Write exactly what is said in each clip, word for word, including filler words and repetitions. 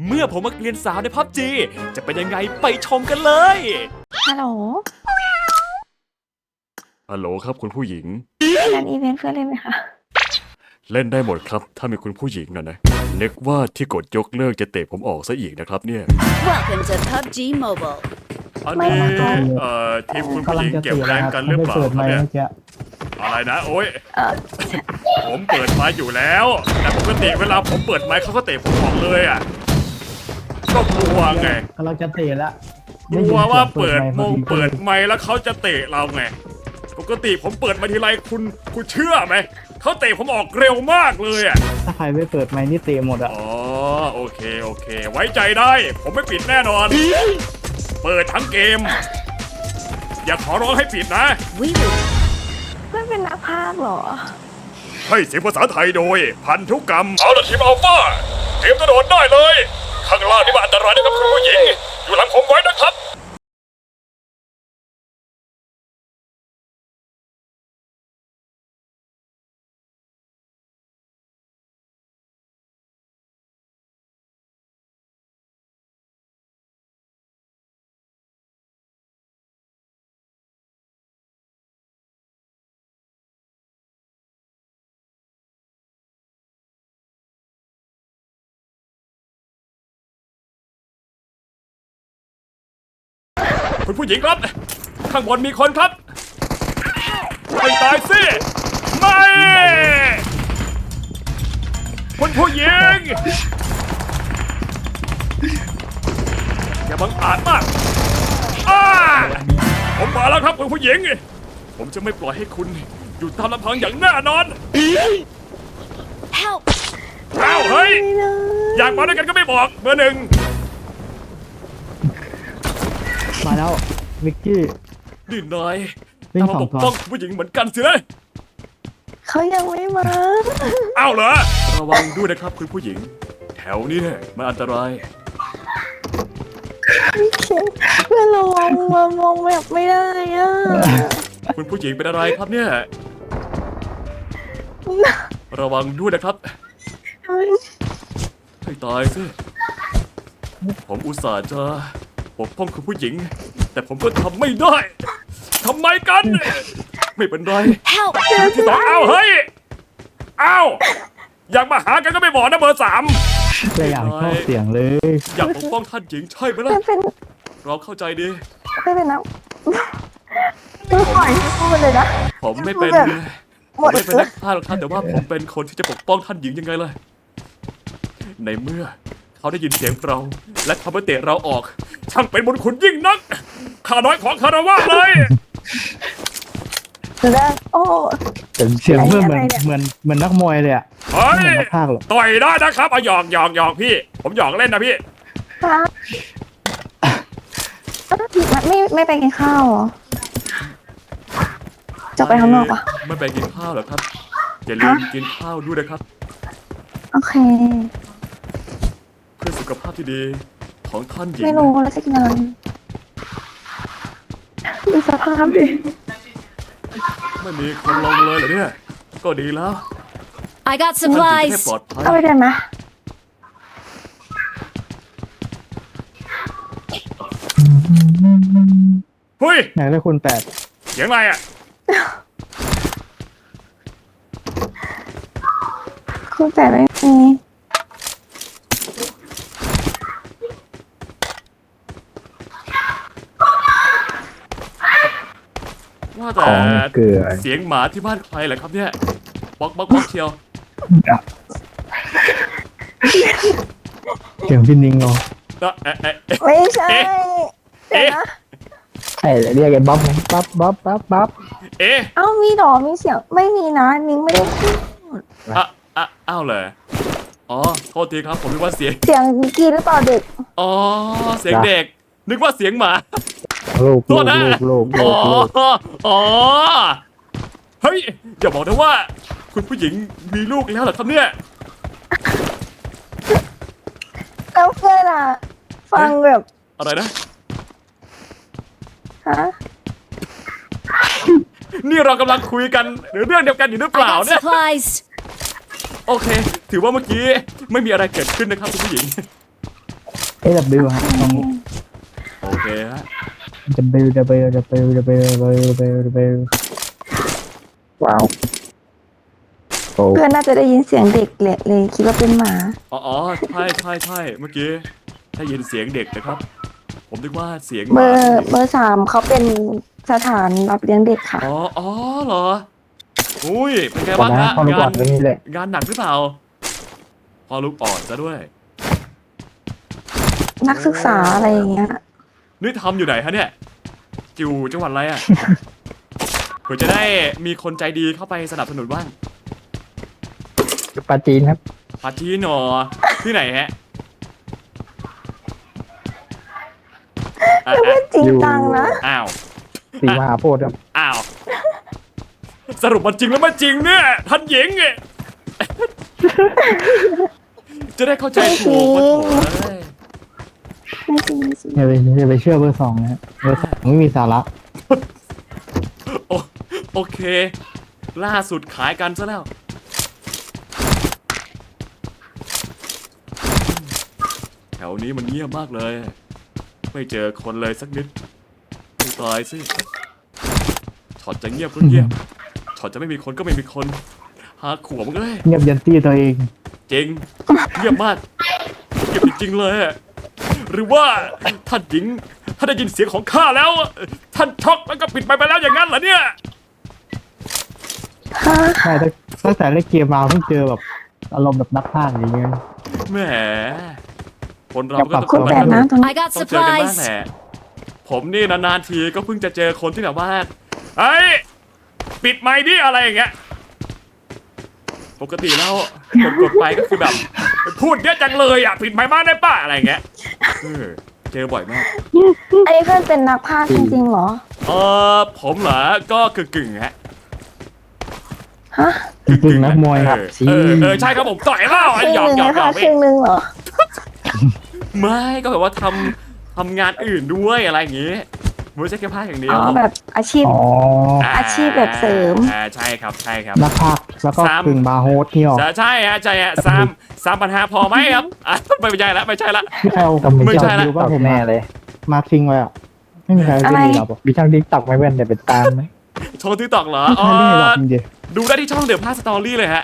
เมื่อผมมาเรียนสาวในพับจีจะเป็นยังไงไปชมกันเลยฮัลโหลฮัลโหลครับคุณผู้หญิงงานอีเวนต์เพื่อนเล่นไหมคะเล่นได้หมดครับถ้ามีคุณผู้หญิงนะนะนึกว่าที่กดยกเลิกจะเตะผมออกซะอีกนะครับเนี่ย Welcome to พับจี Mobile อันนี้เอ่อทีมคุณผู้หญิงเก็บแรงกันหรือเปล่าครับเนี่ยอะไรนะโอ้ยเออผมเปิดไมค์อยู่แล้วแต่ปกติเวลาผมเปิดไมค์เขาก็เตะผมออกเลยอ่ะก็กลัวไงกำลังจะเตะแล้วกลัวว่าเปิดมงเปิดไมค์แล้วเขาจะเตะเราไงปกติผมเปิดมาทีไรคุณคุณเชื่อไหมเขาเตะผมออกเร็วมากเลยอ่ะถ้าใครไม่เปิดไมค์นี่เตะหมดอ่ะอ๋อโอเคโอเค ไว้ใจได้ผมไม่ปิดแน่นอน เปิดทั้งเกม อย่าขอร้องให้ปิดนะ We will เพื่อนเป็นนักพากย์เหรอให้เสียงภาษาไทยโดย พันธุกรรมเอาละทีมอัลฟาเตรียมกระโดดได้เลย ข้างล่างนี่มันอันตรายนะครับคุณผู้หญิง อยู่หลังผมไว้นะครับคุณผู้หญิงครับ ข้างบนมีคนครับไม่ตายสิไม่คุณผู้หญิงอย่าบังอาจมากอ้าผมมาแล้วครับคุณผู้หญิง ผมจะไม่ปล่อยให้คุณอยู่ตามลำพังอย่างแน่นอน help อ้าวเฮ้ยอยากมาด้วยกันก็ไม่บอกเบอร์หนึ่งมาแล้ววิกกี้นี่นายวิ่งตามมาสปองกตัวป้องผู้หญิงเหมือนกันสินะเขายังไม่มาอ้าวเหรอระวังด้วยนะครับคุณผู้หญิง แถวนี้เนี่ยมันอันตรายเพื่อนเรามองมามองแบบไม่ได้อ่ะคุณผู้หญิงเป็นอะไรครับเนี่ยระวังด้วยนะครับให้ตายสิผมอุตส่าห์จะปกป้องคุณผู้หญิง แต่ผมก็ทำไม่ได้ทำไมกัน ไม่เป็นไร help ที่สองอ้าวเฮ้ยอ้าวอยากมาหากันก็ไม่บอกนะเบอร์สามเลยอยากเข้าเสียงเลยอยากปกป้องท่านหญิงใช่ไหมเพื่ล่ะอนเป็นเราเข้าใจดีเพื่อนเป็นนักเพื่อนปล่อยให้พูดเลยนะผมไม่เป็นแบบหผม มดไม่เป็นเลนัยกฆ่าหรอกท่านแต่ว่าผมเป็นคนที่จะปกป้องท่านหญิงยังไงล่ะในเมื่อเขาได้ยินเสียงเราและเขาไปเตะเราออก ช่างเป็นบุญคุณยิ่งนักข้าน้อยของคารวะเลยเดี๋ยวนะโอ้เสียงเพื่อนเหมือนอะไรเนี่ยเหมือนเหมือนนักมวยเลยอ่ะเฮ้ยไม่เหมือนนักพากย์หรอกต่อยได้นะครับเอาหยอกหยอกหยอกพี่ ผมหยอกเล่นนะพี่ค่ะไม่ไม่ไปกินข้าวเหรอ จะไปข้างนอกปะไม่ไปกินข้าวเหรอครับอย่าลืมกินข้าวด้วยนะครับโอเคเพื่อสุขภาพที่ดีของท่านหญิงไม่รู้แล้วจะกินอะไรดูสภาพดิไม่มีคนลงเลยเหรอเนี่ยก็ดีแล้ว I got ท่านหญิงจะได้ supplies ปลอดภัยเอาไปกันนะเฮ้ยอยากได้คุณแปดเสียงอะไรอ่ะคุณแต่ไม่มีว่าแต่ของเกลือเสียงหมาที่บ้านใครเหรอครับเนี่ยบ๊อกบ๊อกบ๊อกเชียวเสียงพี่นิ้งเหรอเอ๊ะเอ๊ะเอ๊ะเอ๊ะไม่ใช่เดี๋ยวนะใช่เรียกไอ้บ๊อบไงบ๊อบบ๊อบบ๊อบบ๊อบเอ๊ะเอ้ามีหรอมีเสียงไม่มีนะนิ้งไม่ได้พูดอ่ะอ่ะอ้าวเหรออ๋อโทษทีครับผมนึกว่าเสียงเสียงกีหรือเปล่าเด็กอ๋อเสียงเด็ก นึกว่าเสียงหมาลูกโทลูษกนะลูกลูอ๋อกลูกอ๋อเฮ้ยอย่าบอกนะว่า คุณผู้หญิงมีลูกแล้วเหรอครับเนี่ยแล้วเพื่อนอ่ะ ฟังแบบอะไรนะฮะนี่เรากำลังคุยกันหรือเรื่องเดียวกันอยู่หรือเป I ล่า got เนี่ย supplies โอเค ถือว่าเมื่อกี้ไม่มีอะไรเกิดขึ้นนะครับคุณผู้หญิงเอดับบิลฮะลองโอเคฮะดับบิลดับบิลดับบิลดับบิลดับบิลดับบิลดับบิลว้าวโอ้เพื่อนน่าจะได้ยินเสียงเด็กเลยเลยคิดว่าเป็นหมาอ๋ออ๋อใช่ใช่ใช่เมื่อกี้ได้ยินเสียงเด็กนะครับ ผมนึกว่าเสียงหเบมาอร์เบอร์สามเขาเป็นสถานรับเลี้ยงเด็กค่ะอ๋ออ๋อเหรออุ้ยเป็นไงก่อนบ้างนะฮะพอรู้ก่งาอนนเรื่องนี้แหละงานหนักหรือเปล่า พอลูกอ่อนซะด้วยนักศึกษาอะไรอย่างเงี้ยนี่ทำอยู่ไหนฮะเนี่ยอยู่จังหวัดอะไรอ่ะ เพื่อจะได้มีคนใจดีเข้าไปสนับสนุนบ้างปาจีนครับปาจีนหนอที่ไหนฮะอ่ะไม่อ่ะจริงจังนะอ้าวสีมหาโพธิ์ครับอ้าว สรุปมันจริงแล้วมันจริงเนี่ยท่านหญิงไง จะได้เข้าใจถูกมาโถเลยไม่จริงไม่จริงอย่าไปอย่าไปเชื่อเบอร์สองนะฮะเบอร์สองไม่มีสาระโอโอเค ล่าสุดขายกันซะแล้ว แถวนี้มันเงียบมากเลย ไม่เจอคนเลยสักนิดไม่ตายสิช็อตจะเงียบก็เงียบช็อตจะไม่มีคนก็ไม่มีคนหาขวมเลยเงียบยันตี้ตัวเองจริง เงียบมากเงียบจริงๆเลย หรือว่าท่านหญิงท่านได้ยินเสียงของข้าแล้ว ท่านช็อกแล้วก็ปิดไปไปแล้วอย่างนั้นเหรอเนี่ยฮะใช่ตั้งตั้งแต่เล่นเกมมาเพิ่งเจอแบบอารมณ์แบบนักพากย์อย่างเงี้ยแหมคนเราก็ต้องคุณแปดน้ำตรงนี้ I got ต้องเจอกันบ้าง supplies. แหละผมนี่นานๆทีก็เพิ่งจะเจอคนที่แบบว่าเฮ้ยปิดไมค์ดิอะไรอย่างเงี้ยปกติแล้วกดกดไปก็คือแบบพูดเยอะจังเลยอ่ะปิดไมค์บ้างได้ป่ะอะไรอย่างเงี้ยเออเจอบ่อยมากอันนี้เพื่อนเป็นนักพากย์จริงๆเหรอเออผมเหรอก็คือกึ่งๆฮะฮะจริงๆนักมวยครับเออเออเออใช่ครับผมต่อยแล้วครึ่งหยหอกนึ่งหยอกนะหยคะอกครึ่งหนึ่งเหรอไม่ก็แบบว่าทำทำงานอื่นด้วยอะไรอย่างงี้ไม่ใช่แค่ภาคอย่างเดียอ๋วอแบบอาชีพอ๋ออาชีพแบบเสริมอ่าใช่ครับใช่ครับนักพากย์แล้วก็สามกึ่งบาร์โฮสที่ออกใช่ใช่ฮะใช่ฮะสามสามปัญหาพอไหมครับอ่ะไม่ใช่ละไม่ใช่ละที่ใครเอาไม่ใช่ละดูว่าผมแน่เลย มาทิ้งไว้อ่ะไม่มีใครเล่นอะไรหรอกมีช่างดิ๊กตักไม่เว้นแต่เป็นตามไหมโชว์ทิกตอกเหรอไม่อ๋อใช่เล่นหรอกจริงดูได้ที่ช่องเดือดพาสตอรี่เลยฮะ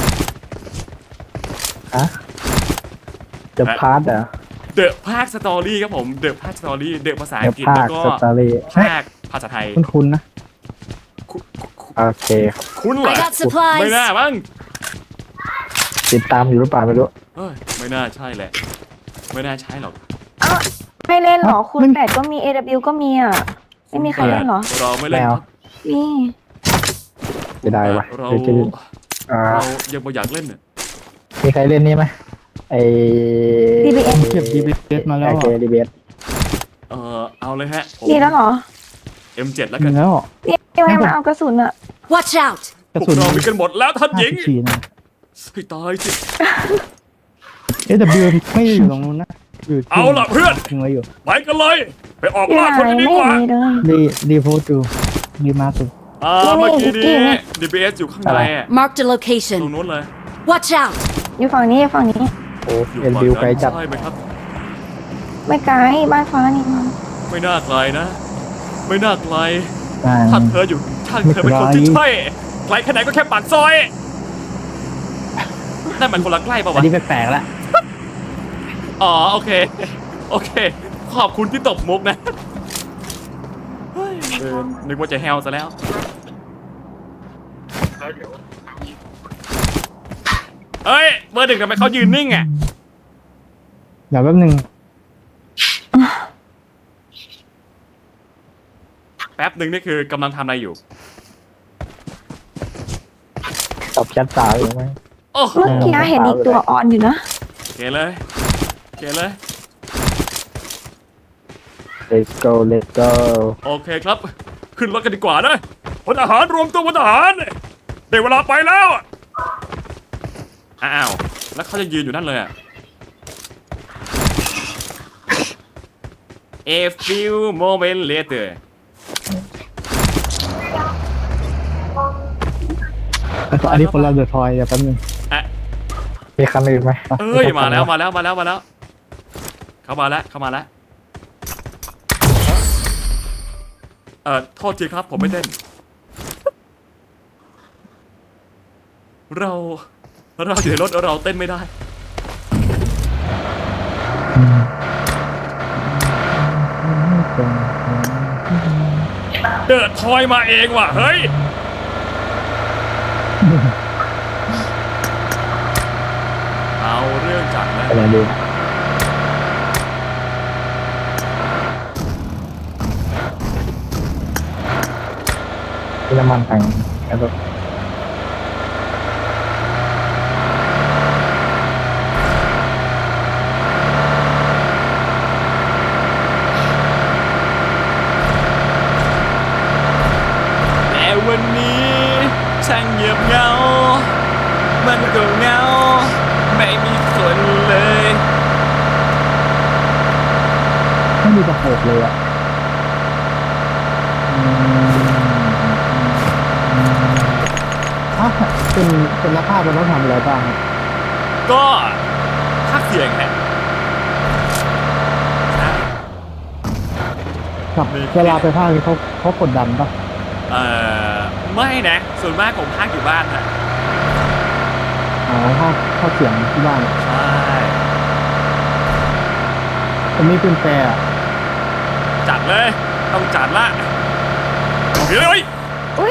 ๆฮะจะพาร์ทเหรอเดอะภาคสตอรี่ครับผมเดอะภาคสตอรี่เดอะภาษาเดี๋อัยวงกฤษภาแล้ควก็สตอรี่ภาคภาษาไทยคุ้นๆนะคุณคุณโอเคครับคุณเหรอ I got ไม่น่า supplies. มั้งติดตามอยู่หรือเปล่าไม่รู้เฮ้ยไม่น่าใช่แหละ ไม่น่าใช่หรอกเอ้าไม่เล่นเหรอ คุณมันแปดก็มี เอ ดับเบิลยู ก็มีอ่ะ ไม่มีใครเล่นเหรอเราไม่เล่นแมวครับมีจะได้วะเราเดี๋ยวจะอ่าเรายังไม่อยากเล่นเนี่ยมีใครเล่นนี่ไหมไอดี บี เอสเก็บดีบีเอสมาแล้วโอเคดีเบสเออเอาเลยฮะผมมีแล้วเหรอเอ็ม เจ็ด แล้วมีกันแล้วพี่พี่ไม่มาเอากระสุนอ่ะ Watch out. กระพวสุกนเรามีกันหมดแล้วท่านหญิงฉีนะให้ตายสิเอดับบิลไม่ได้อยู่ตรงนู้นนะอยู่ที่เอาล่ะเพื่อนทิ้งไว้อยู่ไปกันเลย ไปออกอยู่ล่าไหคนนกันดีไม่กว่ามีเลยดีดีโพสดูดีมากสุดอ่านี่เมื่อกี้นี่นี้นี่ดี บี เอส อยู่ข้างในอะ Marked a ตรง location. นู้นเลย Watch out. อยู่ฝั่งนี้อยู่ฝั่งนี้โอ้อยู่เอ็นฝั่งบิลไกลนั้นจัดใช่ไหมครับไม่ไกลบ้านฟ้านี่มันไม่น่าไกลนะ ไม่น่าไกลอ่าถ้าเธออยู่ถ้าเธอเป็นคนที่ใช่ไกลแค่ไหนก็แค่ปากซอยนั่นมันคนละใกล้ป่าอันวะนี้แปลกๆละอ๋อโอเค โอเค ขอบคุณที่ตบมุกนะเฮ้ยเออนึกว่าจะแฮวซะแล้ว เฮ้ยเบอร์หนึ่งทำไมเขายืนนิ่งอ่ะเดี๋ยวแป๊บนึงแป๊บหนึ่งนี่คือกำลังทำอะไรอยู่ตอบแชทสาวอยู่ไหมโอ้โหเมื่อกี้เห็นอีกตัวออนอยู่นะเกเลยเกเลย let's go let's go โอเคครับ ขึ้นรถกันดีกว่านะพลทหารรวมตัวพลทหารได้เวลาไปแล้ว อ้าว แล้วเขาจะยืนอยู่นั่นเลยอะ A few moments later อันนี้คนละเดือดทอยเดี๋ยวแป๊บนึงอ่ะมีคันอื่นไหมเอ้ย มาแล้วมาแล้วมาแล้วมาแล้วเข้ามาแล้วเข้ามาแล้วเอ่อโทษทีครับผมไม่เต้นเราเราอยู่ในรถเราเต้นไม่ได้เดินทอยมาเองว่ะเฮ้ยเอาเรื่องจัดแล้วอะไรดีที่น้ำมันแพงแล้วก็แต่วันนี้ช่างเงียบเหงามันก็เหงาไม่มีคนเลยไม่มีตะโขบเลยอ่ะถ้าเป็นเป็นนักภาพมันต้องทำอะไรบ้างครับก็พักเสียงแหละกับเวลาไปภาคนี้เขาเขากดดันปะเอ่อไม่นะส่วนมากผมพักอยู่บ้านนะอ๋อภาคภาคเสียงที่บ้านใช่ผมมีเป็นแปรอะจัดเลยต้องจัดละเฮ้ยอุ้ย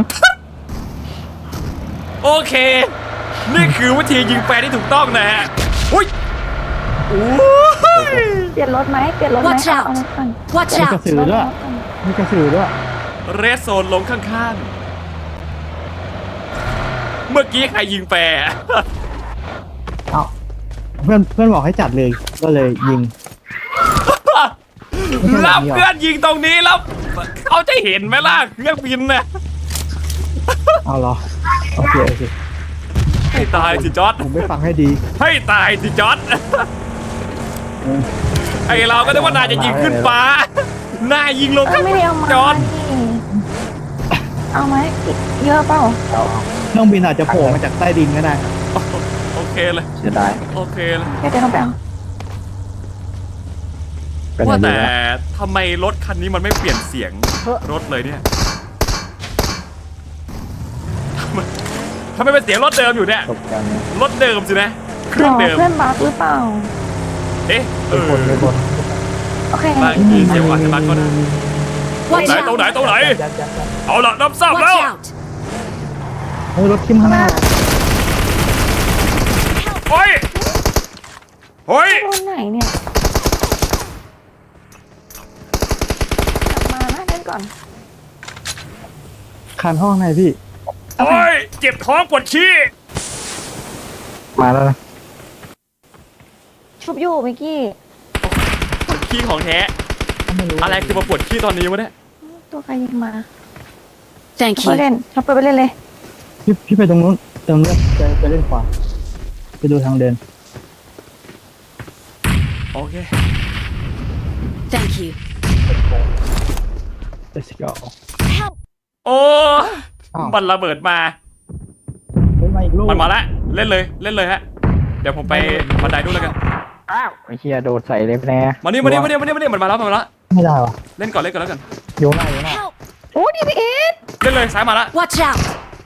โอเค นี่คือวิธียิงแฟร์ที่ถูกต้องนะฮะอุ้ยโอ้ยเปลี่ยนรถไหมเปลี่ยนรถไหม Watch เอา out เอารถก่อน Watch มีกระ out! สือด้วยมีกระสือด้วยเรสโซนลงข้างๆ เมื่อกี้ใครยิงแฟร์เอ้าเพื่อนเพื่อนบอกให้จัดเลยก็เลยยิงรับเพื่อนยิงตรงนี้แล้วเขาจะเห็นไหมล่ะเครื่องบินน่ะเอาเหรอโอเคโอเคให้ตายสิจอร์ดผมไม่ฟังให้ดีให้ตายสิจอร์ดไอเราก็นึกว่านายจะยิงขึ้นฟ้านายยิงลงเอ้ยไม่ได้เอามาจอร์ดนี่เอาไหมเยอะเปล่าเครื่องบินอาจจะโผล่มาจากใต้ดินก็ได้โอเคเลยเสียดายโอเคเลยเดี๋ยวเดี๋ยวต้องไปเอาว่าแต่ทำไมรถคันนี้มันไม่เปลี่ยนเสียงรถเลยเนี่ยทำไมทำไมเป็นเสียงรถเดิมอยู่เนี่ยตกใจนะรถเดิมสินะเคหรื่รองอเดิมเพื่อนบักหรือเปล่าเอ๊ะเอมีอคนมีคนโอเคบางทีเสียงอาจจะบักก็ได้ Watch ไหนตรงไหน out! ตรงไหน เอาละรับทราบ Watch แล้ว out! เฮ้ยรถทิมข้างหน้าโอ้ยโอ้ยโดนไหนเนี่ยกลับมานะเล่นก่อนคานห้องไหนพี่โอ้ยเจ็บท้องปวดขี้มาแล้วนะชุบอยู่เมื่อกี้ปวดขี้ของแท้ไม่รู้อะไรคือมาปวดขี้ตอนนี้วะเนี่ยตัวใครยิงมา Thank ไป you. เล่นชอบไปไปเล่นเลยพี่พี่ไปตรงนู้นตรงนู้นจะจะเล่นขวาไปดูทางเดินโอเค Thank you. let's go Help! โอ้อ้าวมันระเบิดมาเฮ้ยมาอีกลูกมันมาแล้วเล่นเลยเล่นเลยฮะเดี๋ยวผมไปบันไดนู่นแล้วกันอ้าวไอ้เหี้ยโดดใส่เลยแน่มานี่มานี่มานี่มานี่มานี่มันมาแล้วมันมาแล้วไม่ได้วะเล่นก่อนเล่นก่อนแล้วกันโยนหน้าโยนหน้า Help! โอ้ดีพีเอสเล่นเลยซ้ายมาแล้ว Watch out!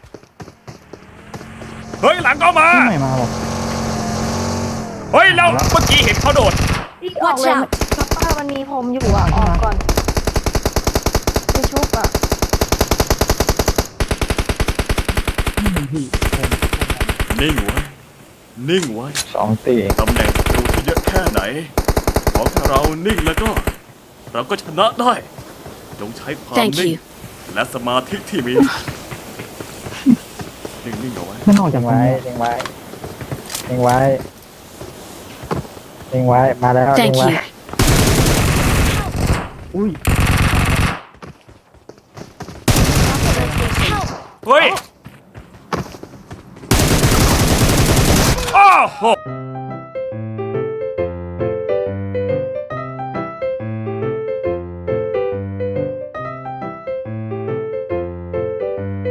เฮ้ยหลังก็มาที่ไหนมาบอกเฮ้ยเราเมื่อกี้เห็นเขาโดดอีกออกเลย Watch out ซัปป้ามันมีผมอยู่อ่ะออกก่อนไปชุบอ่ะนี่พี่นิ่งไว้นิ่งไว้สองตีตำแหน่งศัตรูที่เยอะแค่ไหนขอแค่เรานิ่งแล้วก็ เราก็ชนะได้จงใช้ความ Thank นิ่ง you. และสมาธิที่มีนิ่งๆเอาไว้มันออกจากไว้เล็งไว้เล็งไว้เล็งไว้มาแล้วเล็ Thank งไว้ you. อุ้ยเฮ้ย โอ้โห